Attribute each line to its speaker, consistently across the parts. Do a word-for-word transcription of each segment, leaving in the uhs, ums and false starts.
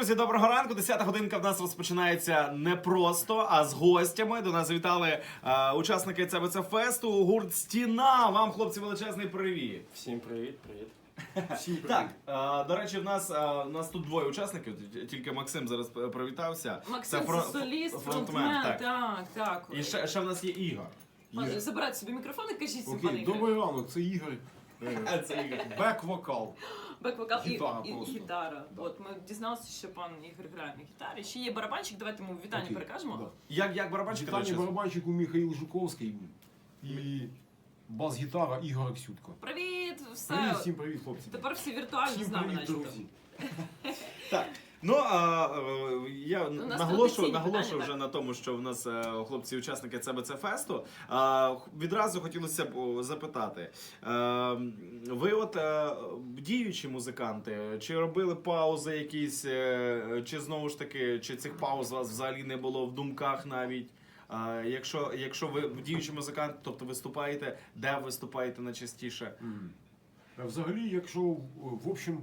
Speaker 1: Друзі, доброго ранку. Десята годинка в нас розпочинається не просто, а з гостями. До нас завітали е, учасники ЦБЦ Фесту, гурт «Стіна». Вам, хлопці, величезний привіт.
Speaker 2: Всім привіт, привіт.
Speaker 1: Всім привіт. Так, е, до речі, в нас, е, в нас тут двоє учасників, тільки Максим зараз привітався.
Speaker 3: Максим це
Speaker 1: фрон-
Speaker 3: соліст,
Speaker 1: фронтмен,
Speaker 3: фронтмен,
Speaker 1: так.
Speaker 3: так, так.
Speaker 1: І ще, ще в нас є Ігор.
Speaker 3: Пане, забирайте собі мікрофон і кажіть всім, пане
Speaker 4: Окей,
Speaker 3: Ігор.
Speaker 4: добрий ранок, це Ігор.
Speaker 1: А, це Ігор.
Speaker 4: Бек-вокал.
Speaker 3: Бек-вокал і,
Speaker 4: Гітара
Speaker 3: і, і
Speaker 4: просто.
Speaker 3: гітара.
Speaker 4: Да.
Speaker 3: От ми дізналися, що пан Ігор грає на гітарі. Ще є барабанчик, давайте йому вітання
Speaker 4: Окей,
Speaker 3: перекажемо.
Speaker 4: да.
Speaker 1: Як, як барабанщик? до
Speaker 4: Вітання
Speaker 1: речі?
Speaker 4: барабанщику Михаїл Жуковський і бас-гітара Ігор Аксютко.
Speaker 3: Привіт, все.
Speaker 4: Привіт, всім привіт, хлопці.
Speaker 3: Тепер всі віртуально
Speaker 4: Всім
Speaker 3: з нами,
Speaker 4: привіт,
Speaker 3: начебто.
Speaker 4: друзі.
Speaker 1: Так. Ну, а, е, я
Speaker 3: нас
Speaker 1: наголошую,
Speaker 3: традиційні
Speaker 1: наголошую
Speaker 3: питання,
Speaker 1: вже
Speaker 3: так.
Speaker 1: на тому, що в нас е, хлопці-учасники ЦБЦ Фесту. А, відразу хотілося б о, запитати. Е, ви от е, діючі музиканти, чи робили паузи якісь, е, чи знову ж таки, чи цих пауз у вас взагалі не було в думках навіть? А, якщо, якщо ви діючий музикант, тобто виступаєте, де виступаєте найчастіше?
Speaker 4: М. А Взагалі, якщо в общем,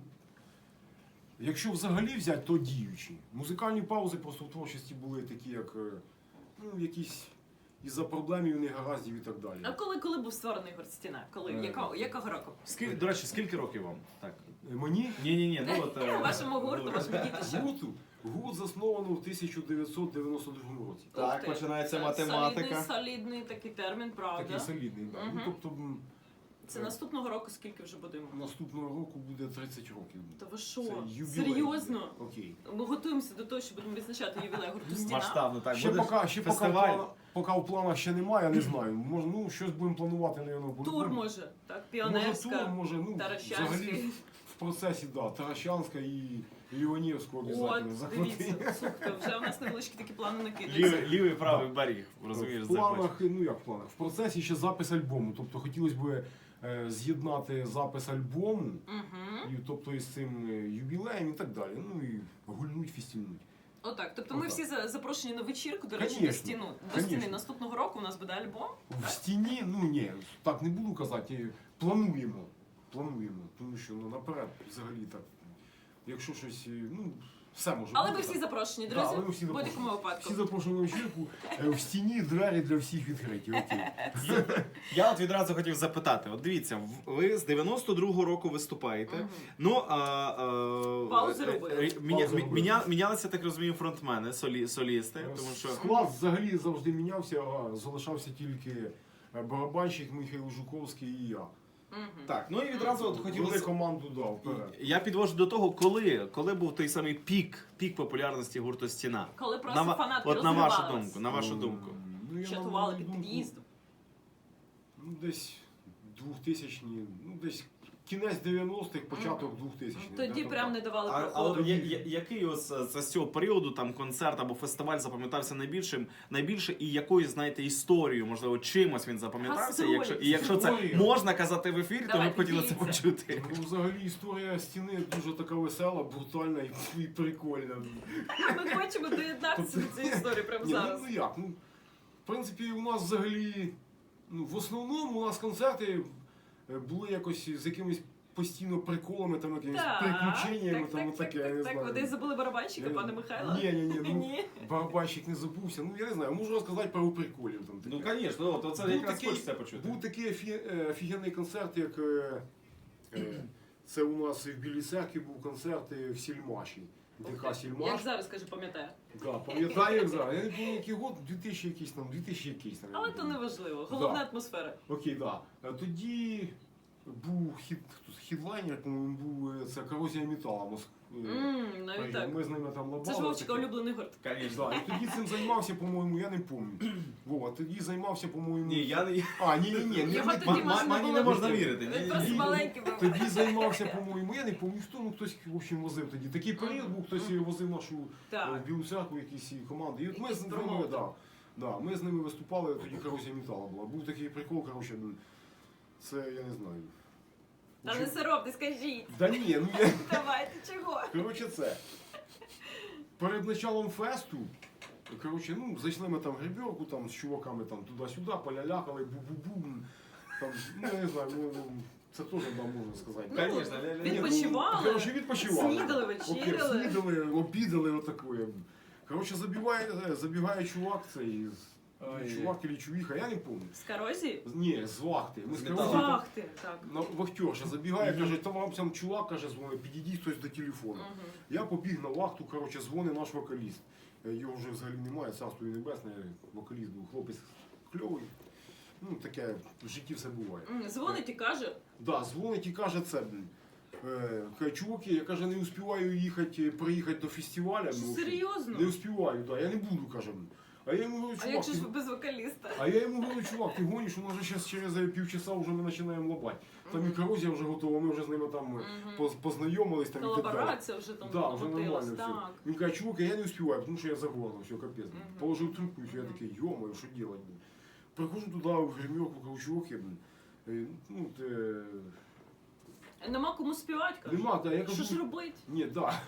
Speaker 4: якщо взагалі взяти, то діючі. Музикальні паузи просто в творчості були такі, як е, ну, якісь із-за проблемів, негараздів і так далі.
Speaker 3: А коли, коли був створений гурт «Стіна»? Коли?
Speaker 4: Е,
Speaker 3: Якого, якого року?
Speaker 1: Скільки, до речі, скільки років вам? Так.
Speaker 4: Е, Мені
Speaker 1: Ні-ні-ні, ну от... е,
Speaker 3: Вашому гурту, вашому дітищу.
Speaker 4: гурту, гурт засновано в тисяча дев'ятсот дев'яносто другому році.
Speaker 1: Так,
Speaker 3: Ух ти.
Speaker 1: починається
Speaker 3: Це
Speaker 1: математика.
Speaker 3: Солідний, солідний такий термін, правда.
Speaker 4: Такий солідний, так.
Speaker 3: Мгм.
Speaker 4: Ну, тобто м,
Speaker 3: Це наступного року скільки вже будемо?
Speaker 4: наступного року буде тридцять років.
Speaker 3: Та ви що?
Speaker 4: Це ювілей.
Speaker 3: Серйозно?
Speaker 4: Окей.
Speaker 3: Ми готуємося до того, що будемо відзначати ювілей гурту «Стіна».
Speaker 1: Масштабно, так.
Speaker 4: Ще
Speaker 1: буде
Speaker 4: поки, ще поки, в
Speaker 1: фестиваль.
Speaker 4: планах, поки в планах ще немає, я не знаю. Може, ну, щось будемо планувати, напевно,
Speaker 3: Тур може, так?
Speaker 4: Може
Speaker 3: Піонерська,
Speaker 4: тур, може, ну,
Speaker 3: Таращанський.
Speaker 4: взагалі в процесі, да, Таращанська і Ліонівську
Speaker 3: От,
Speaker 4: обов'язково захватити.
Speaker 3: дивіться, слухайте, вже у нас невеличкі такі плани
Speaker 1: Лівий,
Speaker 3: накидаються.
Speaker 1: лівий правий берег, розумієш,
Speaker 4: В
Speaker 1: захочеш.
Speaker 4: планах, ну як в планах, в процесі ще запис альбому. Тобто хотілося б е, з'єднати запис альбому,
Speaker 3: Угу.
Speaker 4: і, тобто із цим е, юбілеєм і так далі. Ну і гульнуть, фістільнуть.
Speaker 3: Отак, тобто ми
Speaker 4: Отак.
Speaker 3: всі за- запрошені на вечірку, до речі, до
Speaker 4: Конечно,
Speaker 3: стіну. До
Speaker 4: конечно.
Speaker 3: стіни наступного року у нас буде альбом.
Speaker 4: В стіні, ну ні, так не буду казати, плануємо. Плануємо, тому що ну, наперед взагалі так. Якщо щось, е, ну, все може
Speaker 3: Але
Speaker 4: бути.
Speaker 3: ви всі
Speaker 4: так.
Speaker 3: запрошені,
Speaker 4: Да,
Speaker 3: друзі,
Speaker 4: але ми всі
Speaker 3: в будь-якому
Speaker 4: запрошені.
Speaker 3: випадку.
Speaker 4: Всі запрошені на вечірку, е, в стіні двері для всіх відкриті. Окей.
Speaker 1: Я от відразу хотів запитати. От дивіться, в- ви з дев'яносто другого року виступаєте.
Speaker 3: Мгм.
Speaker 1: Ну, а, а,
Speaker 3: Паузи
Speaker 1: е,
Speaker 3: робили.
Speaker 1: е, міня-
Speaker 4: Паузи
Speaker 1: мі-
Speaker 4: робили.
Speaker 1: міня- Мінялися, так розумію, фронтмени, солі, солісти, тому що...
Speaker 4: Склад взагалі завжди мінявся, а залишався тільки е, барабанщик Михайло Жуковський і я.
Speaker 3: Мгм.
Speaker 1: Так, ну і відразу от
Speaker 4: Хотіли
Speaker 1: хотілося...
Speaker 4: команду дав вперед.
Speaker 1: Я підвожу до того, коли, коли був той самий пік, пік популярності гурту «Стіна».
Speaker 3: Коли просто
Speaker 1: ва-
Speaker 3: фанатки
Speaker 1: От на вашу
Speaker 3: розривались.
Speaker 1: думку, на вашу думку.
Speaker 4: Ну, я
Speaker 3: Чатували
Speaker 4: на
Speaker 3: під
Speaker 4: мою
Speaker 3: під'їздом.
Speaker 4: думку, Ну, десь двохтисячні, ну десь кінець дев'яностих, початок двохтисячних.
Speaker 3: Тоді
Speaker 4: да,
Speaker 3: прям не
Speaker 4: так.
Speaker 3: давали
Speaker 1: А, а
Speaker 3: проходу.
Speaker 1: от я, я, який ось е, з цього періоду там концерт або фестиваль запам'ятався найбільшим, найбільше і якою, знаєте, історією, можливо, чимось він запам'ятався?
Speaker 3: Гастролі.
Speaker 1: І якщо, і якщо це
Speaker 4: Історія.
Speaker 1: можна казати в ефірі, то ми
Speaker 3: Давайте,
Speaker 1: б хотіли це
Speaker 3: діліться.
Speaker 1: почути.
Speaker 4: Ну, взагалі історія стіни дуже така весела, брутальна і, і прикольна.
Speaker 3: Ми хочемо доєднатися до цієї історії прямо
Speaker 4: Ні, ну,
Speaker 3: зараз.
Speaker 4: ну як? Ну, в принципі, у нас взагалі, ну, в основному у нас концерти е, були якось з якимись постійно приколами, там, якимись приключеннями,
Speaker 3: так,
Speaker 4: там,
Speaker 3: так,
Speaker 4: отаке,
Speaker 3: так,
Speaker 4: я не
Speaker 3: так,
Speaker 4: знаю.
Speaker 3: ви десь забули барабанщика,
Speaker 4: Я-
Speaker 3: пане Михайло?
Speaker 4: Ні, ні, ні, ну,
Speaker 3: Ні.
Speaker 4: барабанщик не забувся. Ну, я не знаю, можу розказати пару приколів. Там,
Speaker 1: Ну,
Speaker 4: таке.
Speaker 1: звісно, от це
Speaker 4: Був
Speaker 1: якраз
Speaker 4: такий-
Speaker 1: хочеться почути.
Speaker 4: Був такий офі- е, офігенний концерт, як е, е, це у нас в Білій Церкві був концерт е, в Сільмаші. ДК
Speaker 3: Як
Speaker 4: Сільмаш.
Speaker 3: зараз, кажу, пам'ятаю.
Speaker 4: Да, пам'ятаю, як зараз. Я не пам'ятаю, який год, дві тисячі якийсь там, дві тисячі якийсь.
Speaker 3: Але то не важливо. Головна атмосфера.
Speaker 4: Окей, так. Да. Тоді був хід, хто- хідлайнер, по-моєму, був е, це корозія метала. Моск... е,
Speaker 3: Ммм, навіть так.
Speaker 4: Ми з ними там лабали.
Speaker 3: Це ж Вовчика
Speaker 4: таке.
Speaker 3: улюблений гурт.
Speaker 1: Звісно.
Speaker 4: Да, і тоді цим займався, по-моєму, я не пам'ятаю. Вова, тоді займався, по-моєму.
Speaker 1: Ні, я не...
Speaker 4: А, ні, ні, ні, ні.
Speaker 3: Його
Speaker 4: не-
Speaker 3: тоді
Speaker 1: ма-
Speaker 3: можна
Speaker 1: мені
Speaker 3: було
Speaker 1: не можна
Speaker 3: бути.
Speaker 1: вірити. Ні,
Speaker 3: Він
Speaker 1: ні,
Speaker 3: просто
Speaker 1: ні.
Speaker 3: маленький був.
Speaker 4: Тоді займався, по-моєму, я не пам'ятаю, хто, ну хтось, в общем, возив тоді. Такий період був, хтось возив нашу е,
Speaker 3: Так.
Speaker 4: в Білу Церкву, якісь команди. І от ми
Speaker 3: Якісь
Speaker 4: з ними,
Speaker 3: промоутери.
Speaker 4: да, да, ми з ними виступали, тоді корозія метала була. Був такий прикол, коротше, ну, це я не знаю.
Speaker 3: Та не соромте, скажіть.
Speaker 4: Да ні, ну я.
Speaker 3: Давайте, чого?
Speaker 4: Коротше, це. Перед началом фесту, коротше, ну, зайшли ми там в гребірку, там з чуваками там туди-сюди, полялякали, бу-бу-бу. Там, ну, я не знаю, ну, Це теж да, можна сказати.
Speaker 3: Ну,
Speaker 1: Конечно, ля- ля-
Speaker 4: Ні, ну,
Speaker 3: відпочивали,
Speaker 4: коротше, відпочивали.
Speaker 3: снідали,
Speaker 4: Окей,
Speaker 3: вечеряли.
Speaker 4: снідали, обідали, отакое. Коротше, забігає, забігає чувак цей,
Speaker 1: Ой.
Speaker 4: чувак или чувіха, я не пам'ятаю.
Speaker 3: З корозії?
Speaker 4: Ні, з вахти. Ми з
Speaker 1: З
Speaker 4: коротше,
Speaker 1: металу.
Speaker 4: там-
Speaker 3: Ах ти, так.
Speaker 4: на вахтерша забігає, каже, там вам сам чувак, каже, дзвонить, підійдіть хтось до телефону.
Speaker 3: Мгм.
Speaker 4: Я побіг на вахту, коротше, дзвонить наш вокаліст. Е, Його вже взагалі немає, царство і небесне, вокаліст був хлопець кльовий. Ну, таке в житті все буває.
Speaker 3: М, Дзвонить і каже,
Speaker 4: Да, дзвонить і каже це, блін. Е, каже, чуваки, я каже, не успіваю їхати, приїхати до фестиваля.
Speaker 3: що
Speaker 4: ну,
Speaker 3: серйозно?
Speaker 4: Не успіваю, да, я не буду, каже. А я йому говорю,
Speaker 3: А
Speaker 4: чувак,
Speaker 3: як же
Speaker 4: ти...
Speaker 3: ж ви без вокаліста?
Speaker 4: а я йому говорю, чувак, ти гониш, у нас же зараз через півчаса вже ми починаємо лапати. Там і
Speaker 3: Мгм.
Speaker 4: корозія вже готова, ми вже з ними там
Speaker 3: Мгм.
Speaker 4: поз- познайомились там і так далі.
Speaker 3: Колаборація вже там
Speaker 4: Да, вже
Speaker 3: крутилась,
Speaker 4: нормально все.
Speaker 3: так.
Speaker 4: Він каже, чувак, я не успіваю, тому що я загорно, все, капець.
Speaker 3: Мгм.
Speaker 4: Положив трубку, і все, я
Speaker 3: Мгм.
Speaker 4: такий, йо-моє, що делать, блін. Приходжу туди, в гримерку, кажу, чуваки, блін. е, Ну, те...
Speaker 3: Нема кому співати, каже.
Speaker 4: Нема, да, я кажу,
Speaker 3: Що ж робити?
Speaker 4: ні, да.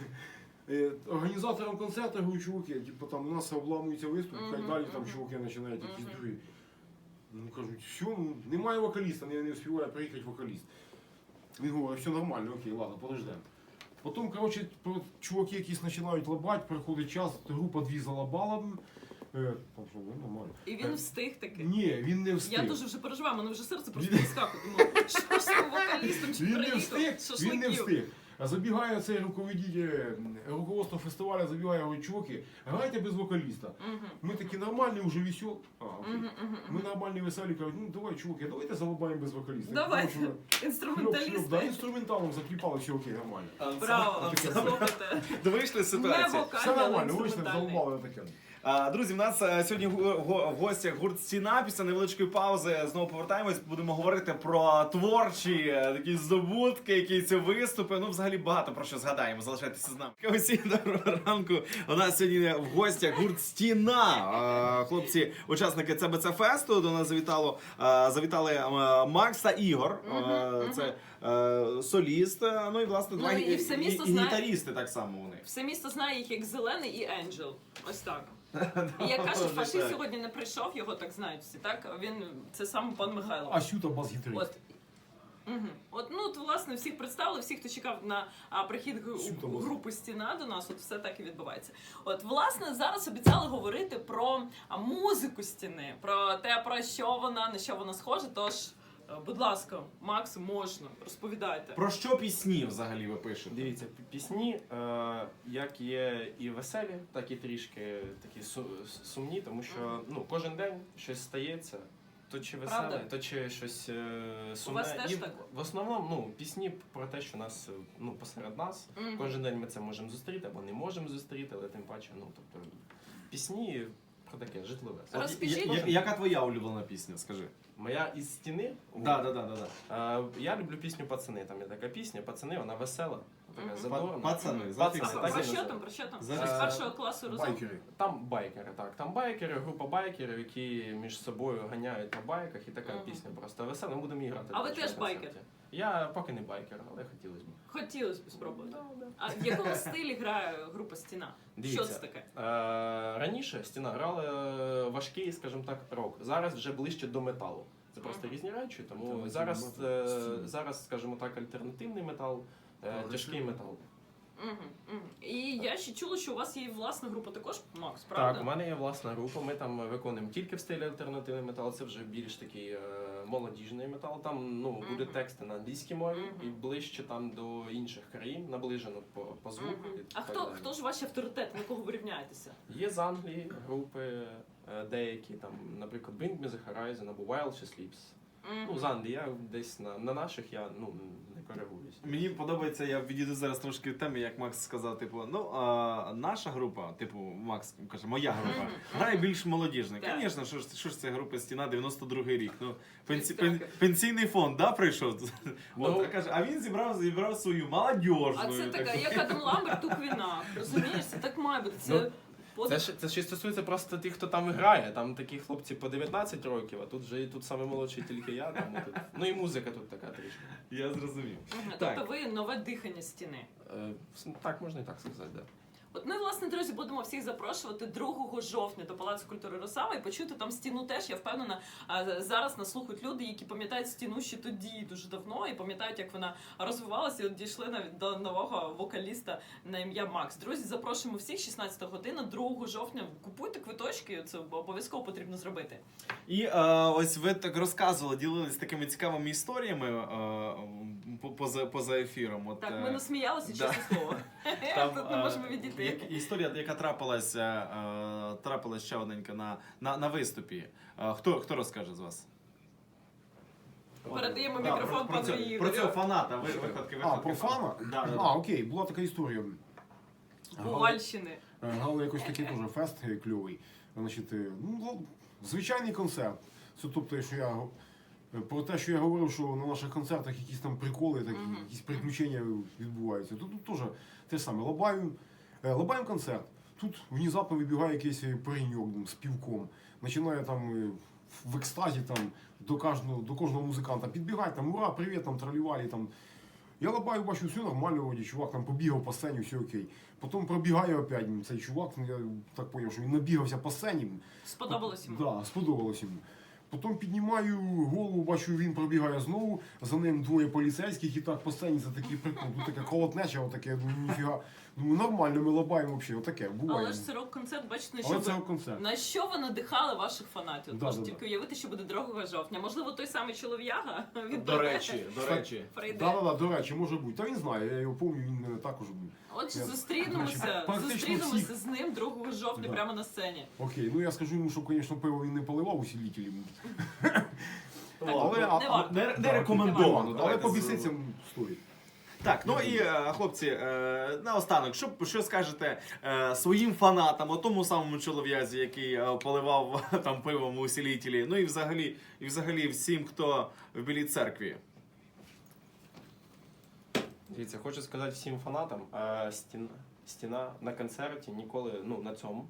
Speaker 4: Е, Організаторам концерту, говорю, чуваки, типу, там у нас обламується виступ, хай
Speaker 3: Мгм,
Speaker 4: далі там
Speaker 3: мгм.
Speaker 4: чуваки починають якісь
Speaker 3: Мгм.
Speaker 4: другі. Ну, кажуть, все, ну, немає вокаліста, не, не успіває приїхати вокаліст. Він говорить, все нормально, окей, ладно, подождемо. Потім, коротше, про- чуваки якісь починають лабати, приходить час, група дві залабала. Е, там що, ну, нормально.
Speaker 3: І він встиг таки.
Speaker 4: Ні, він не встиг.
Speaker 3: Я дуже вже переживаю, мене вже серце просто
Speaker 4: Він-
Speaker 3: вискакує. Думаю, що ж з цим вокалістом чи
Speaker 4: Він не
Speaker 3: приїхав?
Speaker 4: встиг, він не
Speaker 3: Шашликів.
Speaker 4: встиг. А забігає цей руководитель, руководство фестивалю, забігає, говорить, чуваки, грайте без вокаліста.
Speaker 3: Мгм.
Speaker 4: Ми такі нормальні, вже веселі. А, окей.
Speaker 3: Мгм, мгм,
Speaker 4: Ми
Speaker 3: мгм.
Speaker 4: нормальні, веселі, кажуть, ну давай, чуваки, давайте залабаємо без вокаліста.
Speaker 3: Давай.
Speaker 4: Тому що Шльоп, шльоп, да,
Speaker 3: Інструменталісти.
Speaker 4: інструменталом закліпали, все окей, нормально.
Speaker 3: Браво,
Speaker 4: Таке.
Speaker 3: слухайте.
Speaker 1: Вийшли
Speaker 3: Не
Speaker 1: ситуації.
Speaker 4: Все
Speaker 3: вокальний, але
Speaker 4: нормально, вийшли,
Speaker 3: інструментальний.
Speaker 4: залабали таке.
Speaker 1: А, Друзі, в нас е, сьогодні гу- го- в гостях гурт Стіна. Після невеличкої паузи знову повертаємось. Будемо говорити про творчі е, такі здобутки, якісь виступи. Ну, взагалі багато про що згадаємо. Залишайтеся з нами. Усім доброго ранку. У нас сьогодні в гостях гурт Стіна. Е, Хлопці, учасники Це Бе Це фесту. До нас завітало е, завітали е, Макс та Ігор. Е,
Speaker 3: Мгм,
Speaker 1: Це е, соліст. е, Ну і власне
Speaker 3: Ну,
Speaker 1: два
Speaker 3: і
Speaker 1: гі-
Speaker 3: все
Speaker 1: і-
Speaker 3: місто
Speaker 1: і
Speaker 3: знає-
Speaker 1: гітарісти так само вони.
Speaker 3: Все місто знає їх як Зелений і Енджел. Ось так. І як кажуть,
Speaker 1: Добре,
Speaker 3: фашист
Speaker 1: так.
Speaker 3: сьогодні не прийшов, його так знають всі, так? Він, це саме пан Михайло.
Speaker 4: А Сюта бас-гітарист.
Speaker 3: От. Угу. От, ну, от, власне, всіх представили, всіх, хто чекав на а, прихід г-
Speaker 4: Сюта бас.
Speaker 3: групи Стіна до нас, от все так і відбувається. От, власне, зараз обіцяли говорити про а, музику Стіни, про те, про що вона, на що вона схожа, тож, е, будь ласка, Макс, можна, розповідайте.
Speaker 1: Про що пісні взагалі ви пишете?
Speaker 2: Дивіться, пі- пісні, е, як є і веселі, так і трішки такі су- сумні, тому що ну, кожен день щось стається, то чи веселе,
Speaker 3: Правда?
Speaker 2: то чи щось е, сумне.
Speaker 3: вас теж
Speaker 2: і
Speaker 3: так?
Speaker 2: в основному ну, пісні про те, що нас е, ну, посеред нас.
Speaker 3: Мгм.
Speaker 2: Кожен день ми це можемо зустріти або не можемо зустріти, але тим паче, ну тобто пісні про таке житлове.
Speaker 3: Роз- Розкажіть.
Speaker 1: Я- я- яка твоя улюблена пісня? Скажи.
Speaker 2: Моя із стіни.
Speaker 1: Да, да, да, да, да.
Speaker 2: Е, я люблю пісню Пацани. Там є така пісня, пацани, вона весела, така
Speaker 3: Мгм.
Speaker 2: задорна.
Speaker 1: Пацани,
Speaker 3: Мгм.
Speaker 1: зафіксуй.
Speaker 2: Пацани,
Speaker 3: А
Speaker 2: так
Speaker 3: про
Speaker 2: і
Speaker 3: що
Speaker 2: називають.
Speaker 3: там, про що там?
Speaker 1: Зараз-
Speaker 3: З першого класу разом?
Speaker 4: Байкери.
Speaker 2: Там байкери, так. Там байкери, група байкерів, які між собою ганяють на байках, і така
Speaker 3: Мгм.
Speaker 2: пісня просто весела. Ми будемо її грати.
Speaker 3: А
Speaker 2: до
Speaker 3: ви
Speaker 2: речі,
Speaker 3: теж
Speaker 2: на концерті.
Speaker 3: байкер?
Speaker 2: Я поки не байкер, але хотілося б.
Speaker 3: Хотілося б спробувати. А в якому стилі грає група Стіна?
Speaker 2: Дивіться.
Speaker 3: Що це таке?
Speaker 2: Е, раніше стіна грали е, важкий, скажімо так, рок. Зараз вже ближче до металу. Це просто
Speaker 3: Мгм.
Speaker 2: різні речі, тому
Speaker 4: Альтернативний
Speaker 2: зараз,
Speaker 4: метал.
Speaker 2: е,
Speaker 4: Стіна.
Speaker 2: зараз, скажімо так, альтернативний метал, е,
Speaker 4: Прогресивний.
Speaker 2: тяжкий метал.
Speaker 3: Угу, угу. І я ще чула, що у вас є власна група також, Макс, правда?
Speaker 2: Так, у мене є власна група. Ми там виконуємо тільки в стилі альтернативний метал. Це вже більш такий е, молодіжний метал. Там ну
Speaker 3: Мгм.
Speaker 2: буде тексти на англійській мові
Speaker 3: Мгм.
Speaker 2: і ближче там до інших країн, наближено по, по звуку.
Speaker 3: Мгм.
Speaker 2: і
Speaker 3: А
Speaker 2: так
Speaker 3: хто,
Speaker 2: далі.
Speaker 3: хто ж ваші авторитети, на кого ви рівняєтеся?
Speaker 2: Є з Англії групи е, деякі, там, наприклад, Bring Me The Horizon або While She Sleeps. Ну, з Англії я десь на, на наших я ну не коригуюсь.
Speaker 1: Мені подобається, я відійду зараз трошки від теми, як Макс сказав, типу, ну, а, наша група, типу, Макс каже, моя група,
Speaker 3: Мгм.
Speaker 1: грає більш молодіжна.
Speaker 3: Так.
Speaker 1: Звісно, що ж, що ж це група Стіна, дев'яносто другий рік. Ну, пенсі,
Speaker 3: Так.
Speaker 1: пен, пенсійний фонд, да, прийшов?
Speaker 2: Ну.
Speaker 1: От, каже, а він зібрав, зібрав свою молодіжну.
Speaker 3: А це така,
Speaker 1: таку.
Speaker 3: як Адам Ламберт у Квіна. Розумієш, це так має бути. Це
Speaker 2: Ну,
Speaker 3: под-
Speaker 2: Це ж це ж і стосується просто тих, хто там грає. Там такі хлопці по дев'ятнадцять років, а тут вже і тут саме молодший тільки я. Тому тут ну і музика тут така трішки.
Speaker 1: Я зрозумів.
Speaker 3: Мгм.
Speaker 1: Так.
Speaker 3: Тобто ви нове дихання Стіни.
Speaker 2: Е, так можна і так сказати, да.
Speaker 3: От ми власне, друзі, будемо всіх запрошувати другого жовтня до Палацу культури Росава і почути там стіну теж. Я впевнена, а, зараз нас слухають люди, які пам'ятають стіну ще тоді дуже давно і пам'ятають, як вона розвивалася і от дійшли навіть до нового вокаліста на ім'я Макс. Друзі, запрошуємо всіх, шістнадцята година, другого жовтня. Купуйте квиточки, це обов'язково потрібно зробити.
Speaker 1: І е, ось ви так розказували, ділились такими цікавими історіями е, по- поза, поза ефіром. От,
Speaker 3: Так,
Speaker 1: е,
Speaker 3: ми насміялися,
Speaker 1: да.
Speaker 3: чесне слово. Тут не
Speaker 1: е,
Speaker 3: можемо відійти.
Speaker 1: як- історія, яка трапилася, е, трапилась ще одненька на, на, на виступі. Е, хто, хто розкаже з вас?
Speaker 3: Передаємо
Speaker 1: Да,
Speaker 3: мікрофон
Speaker 1: про, про,
Speaker 3: пану
Speaker 1: цього,
Speaker 3: Ігорю.
Speaker 1: про цього фаната, ви, виходки,
Speaker 4: А,
Speaker 1: виходки
Speaker 4: про фана?
Speaker 1: Да, да,
Speaker 4: А,
Speaker 1: да.
Speaker 4: окей, була така історія.
Speaker 3: Ковальщини.
Speaker 4: Е, Грали якось такий теж фест е, кльовий. Значить, е, ну, звичайний концерт. Це тобто, що я е, про те, що я говорив, що на наших концертах якісь там приколи, такі,
Speaker 3: Мгм.
Speaker 4: якісь приключення відбуваються. Тут, тут теж те ж саме. Лабаємо, е, лабаємо концерт. Тут внезапно вибігає якийсь пареньок з півком. Починає там е, в екстазі там, до кожного, до кожного музиканта підбігати, там, ура, привіт, там, тралівалі, там. Я лабаю, бачу, все нормально, вроді, чувак там побігав по сцені, все окей. Потім пробігає опять цей чувак, я так зрозумів, що він набігався по сцені.
Speaker 3: Сподобалось йому.
Speaker 4: Да, сподобалось йому. Потім піднімаю голову, бачу, він пробігає знову, за ним двоє поліцейських і так по сцені це такий прикол. Тут таке колотнеча, отаке, я думаю, ніфіга. Думаю, нормально, ми лабаємо взагалі, отаке, буває.
Speaker 3: Але ж це рок-концерт, бачите, на що
Speaker 4: Але
Speaker 3: ви...
Speaker 4: це концерт.
Speaker 3: На що ви надихали ваших фанатів?
Speaker 4: Да,
Speaker 3: Можна
Speaker 4: да,
Speaker 3: тільки
Speaker 4: да.
Speaker 3: уявити, що буде другого жовтня. Можливо, той самий чолов'яга від
Speaker 1: До речі, до речі.
Speaker 3: прийде.
Speaker 4: Да, да, да, до речі, може бути. Та він знає, я його пам'ятаю, він мене також був.
Speaker 3: Отже,
Speaker 4: Я-
Speaker 3: зустрінемося,
Speaker 4: Значить, практично
Speaker 3: зустрінемося
Speaker 4: всіх-
Speaker 3: з ним другого жовтня
Speaker 4: Да.
Speaker 3: прямо на сцені.
Speaker 4: Окей, ну я скажу йому, що, звісно, пиво він не поливав усилителем.
Speaker 1: Але,
Speaker 3: не
Speaker 1: а,
Speaker 3: варто.
Speaker 1: не, не
Speaker 4: Да,
Speaker 1: рекомендовано.
Speaker 4: Але
Speaker 1: давайте
Speaker 4: побіситься
Speaker 1: з-
Speaker 4: стоїть.
Speaker 1: Так, ну і е, хлопці, е, наостанок, що, що скажете е, своїм фанатам, о тому самому чолов'язі, який е, поливав там пивом у усилителі, ну і взагалі, і взагалі всім, хто в Білій церкві.
Speaker 2: Дивіться, хочу сказати всім фанатам, е, стіна, стіна на концерті ніколи, ну на цьому.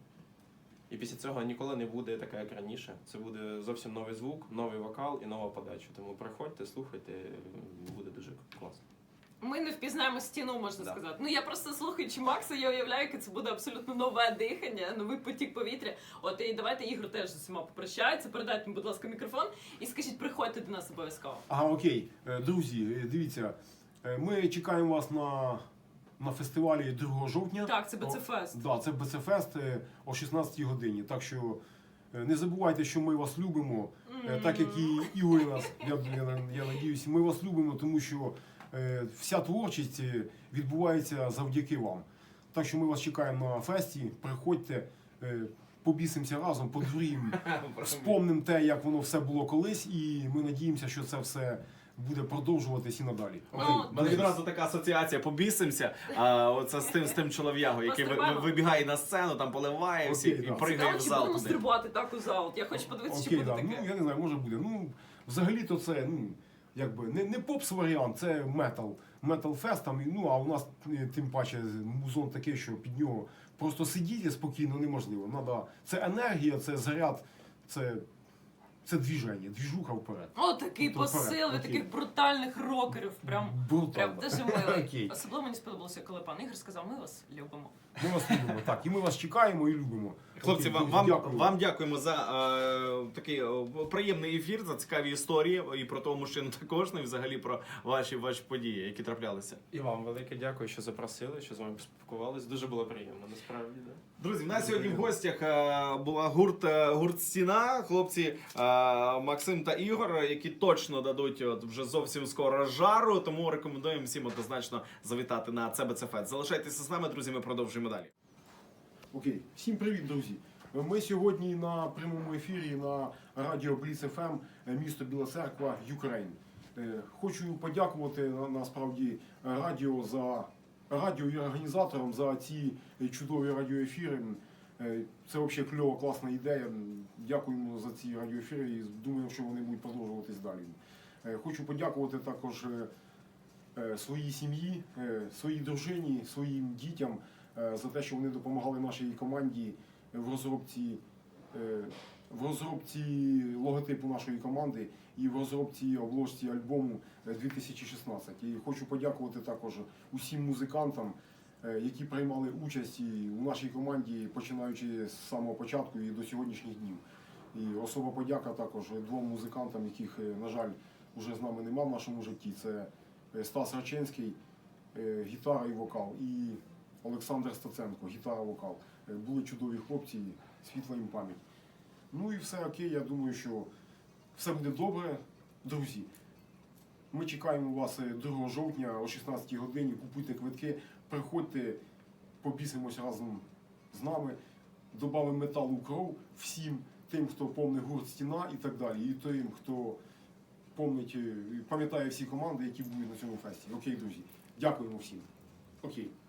Speaker 2: І після цього ніколи не буде така, як раніше. Це буде зовсім новий звук, новий вокал і нова подача. Тому приходьте, слухайте, буде дуже класно.
Speaker 3: Ми не впізнаємо стіну, можна
Speaker 2: Да.
Speaker 3: сказати. Ну я просто слухаючи Макса, я уявляю, яке це буде абсолютно нове дихання, новий потік повітря. От і давайте Ігор теж з усіма попрощається. Передайте, будь ласка, мікрофон і скажіть, приходьте до нас обов'язково.
Speaker 4: Ага, окей. Е, Друзі, е, дивіться, е, ми чекаємо вас на, на фестивалі другого жовтня.
Speaker 3: Так, це БЦ-фест.
Speaker 4: Да, це БЦ-фест е, о шістнадцятій годині. Так що е, не забувайте, що ми вас любимо, е, так як і Ігор нас, я, я, я надіюсь, ми вас любимо, тому що е, вся творчість е, відбувається завдяки вам. Так що ми вас чекаємо на фесті, приходьте, е, побісимося разом, подуріємо, вспомнимо те, як воно все було колись, і ми надіємося, що це все буде продовжуватись і надалі.
Speaker 3: Ну,
Speaker 4: Окей.
Speaker 1: У мене відразу така асоціація, побісимося, а оце з тим, з тим чолов'ягою, який ви- ви-
Speaker 3: Пострибаємо.
Speaker 1: вибігає на сцену, там поливає
Speaker 4: Окей,
Speaker 1: всіх і
Speaker 4: да.
Speaker 1: пригає
Speaker 3: Цікаво,
Speaker 1: в
Speaker 3: чи
Speaker 1: зал
Speaker 3: будемо
Speaker 1: туди.
Speaker 3: стрибати так у зал? От я хочу подивитися,
Speaker 4: Окей,
Speaker 3: що буде
Speaker 4: да.
Speaker 3: таке.
Speaker 4: Ну, я не знаю, може буде. Ну, взагалі-то це, ну, якби не, не попс-варіант, це метал. Метал-фест, там, і, ну, а у нас е, тим паче музон такий, що під нього просто сидіти спокійно неможливо. Надо, це енергія, це заряд, це, це двіження, двіжуха вперед.
Speaker 3: О, такий
Speaker 4: Тобто вперед,
Speaker 3: посил від
Speaker 4: окей.
Speaker 3: таких брутальних рокерів. Прям,
Speaker 4: Брутально.
Speaker 3: прям дуже милий.
Speaker 4: Окей.
Speaker 3: Особливо мені сподобалося, коли пан Ігор сказав, ми вас любимо.
Speaker 4: Ми вас любимо, так, і ми вас чекаємо і любимо.
Speaker 1: Хлопці,
Speaker 4: Окей,
Speaker 1: вам,
Speaker 4: друзі,
Speaker 1: вам,
Speaker 4: дякую.
Speaker 1: вам дякуємо за е, такий е, приємний ефір, за цікаві історії і про того мужчину також, ну і взагалі про ваші, ваші події, які траплялися.
Speaker 2: І вам велике дякую, що запросили, що з вами поспілкувались. Дуже було приємно, насправді. Да.
Speaker 1: Друзі, в нас сьогодні в гостях е, була гурт, е, гурт «Стіна», хлопці е, Максим та Ігор, які точно дадуть от вже зовсім скоро жару, тому рекомендуємо всім однозначно завітати на це БЦ-фест. Залишайтеся з нами, друзі, ми продовжуємо далі.
Speaker 4: Окей, всім привіт, друзі. Ми сьогодні на прямому ефірі на радіо Бліц еф ем, місто Біла Церква, Україн. Хочу подякувати на- насправді радіо за радіо і організаторам за ці чудові радіоефіри. Е, Це взагалі кльова, класна ідея. Дякуємо за ці радіоефіри і думаємо, що вони будуть продовжуватись далі. Е, Хочу подякувати також е, е, своїй сім'ї, е, своїй дружині, своїм дітям е, за те, що вони допомагали нашій команді в розробці, е, в розробці логотипу нашої команди і в розробці обложці альбому дві тисячі шістнадцять. І хочу подякувати також усім музикантам, е, які приймали участь і у нашій команді, починаючи з самого початку і до сьогоднішніх днів. І особа подяка також двом музикантам, яких, е, на жаль, вже з нами нема в нашому житті. Це е, Стас Рачинський, е, гітара і вокал, і Олександр Стаценко, гітара, вокал. Е, Були чудові хлопці, світла їм пам'ять. Ну і все окей, я думаю, що все буде добре. Друзі, ми чекаємо вас другого жовтня о шістнадцятій годині, купуйте квитки, приходьте, побісимось разом з нами, добавимо металу в кров всім тим, хто помнить гурт «Стіна» і так далі, і тим, хто помнить, пам'ятає всі команди, які будуть на цьому фесті. Окей, друзі, дякуємо всім. Окей.